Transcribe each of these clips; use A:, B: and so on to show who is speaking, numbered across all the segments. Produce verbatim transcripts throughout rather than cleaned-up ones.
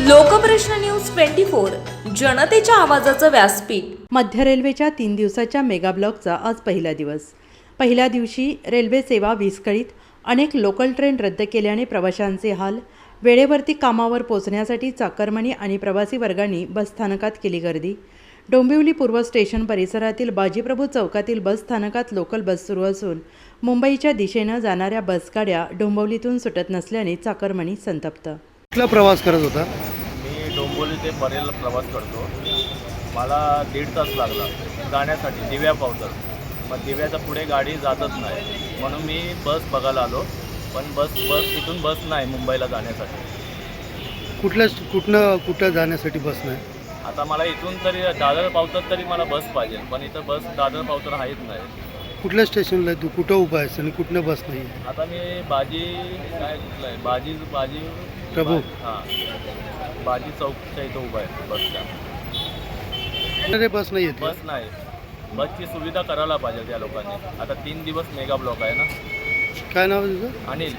A: लोकप्रश्न news twenty four जनतेच्या आवाजाचं व्यासपीठ।
B: मध्य रेल्वेच्या तीन दिवसाच्या मेगा ब्लॉकचा आज पहिला दिवस। पहिल्या दिवशी रेल्वे सेवा विस्कळीत, अनेक लोकल ट्रेन रद्द केल्याने प्रवाशांचे हाल। वेळेवरती कामावर पोहोचण्यासाठी चाकरमानी आणि प्रवासी वर्गांनी बस स्थानकात केली गर्दी। डोंबिवली पूर्व स्टेशन परिसरातील बाजीप्रभू चौकातील बस स्थानकात लोकल बस सुरू असून मुंबईच्या दिशेने जाणाऱ्या बसगाड्या डोंबिवलीतून सुटत नसल्याने चाकरमानी संतप्त।
C: कुठला प्रवास करत होता?
D: मी डोंबिवली ते परेल प्रवास करतो। मला दीड तास लागला जाण्यासाठी दिव्या पावतर। मग दिव्याच्या पुढे गाडी जातच नाही, म्हणून मी बस बघायला आलो, पण बस बस इथून बस नाही मुंबईला जाण्यासाठी।
C: कुठल्या कुठनं कुठं जाण्यासाठी बस नाही?
D: आता मला इथून तरी दादर पावतर तरी मला बस पाहिजे, पण इथं बस दादर पावतर आहेच नाही।
C: कुठल्या स्टेशनला आहे तू? कुठं उभा आहेस आणि कुठनं बस नाही?
D: आता मी बाजी काय कुठलं आहे बाजी बाजी
C: प्रभू
D: हां बाजी चौकच्या इथं उभा आहे बस स्टँड।
C: अरे बस नाही येत?
D: बस नाही, बसची सुविधा करायला पाहिजे त्या लोकांनी। आता तीन दिवस मेगा ब्लॉक आहे ना।
C: काय नाव आहे तुझं?
D: अनिल।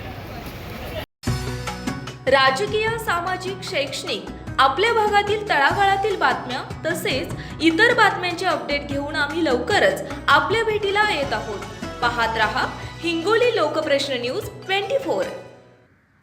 A: राजकीय, सामाजिक, शैक्षणिक आपल्या भागातील तळागाळातील बातम्या तसेच इतर बातम्यांचे अपडेट घेऊन आम्ही लवकरच आपल्या भेटीला येत आहोत। पाहत रहा Hingoli Lokprashna news twenty four.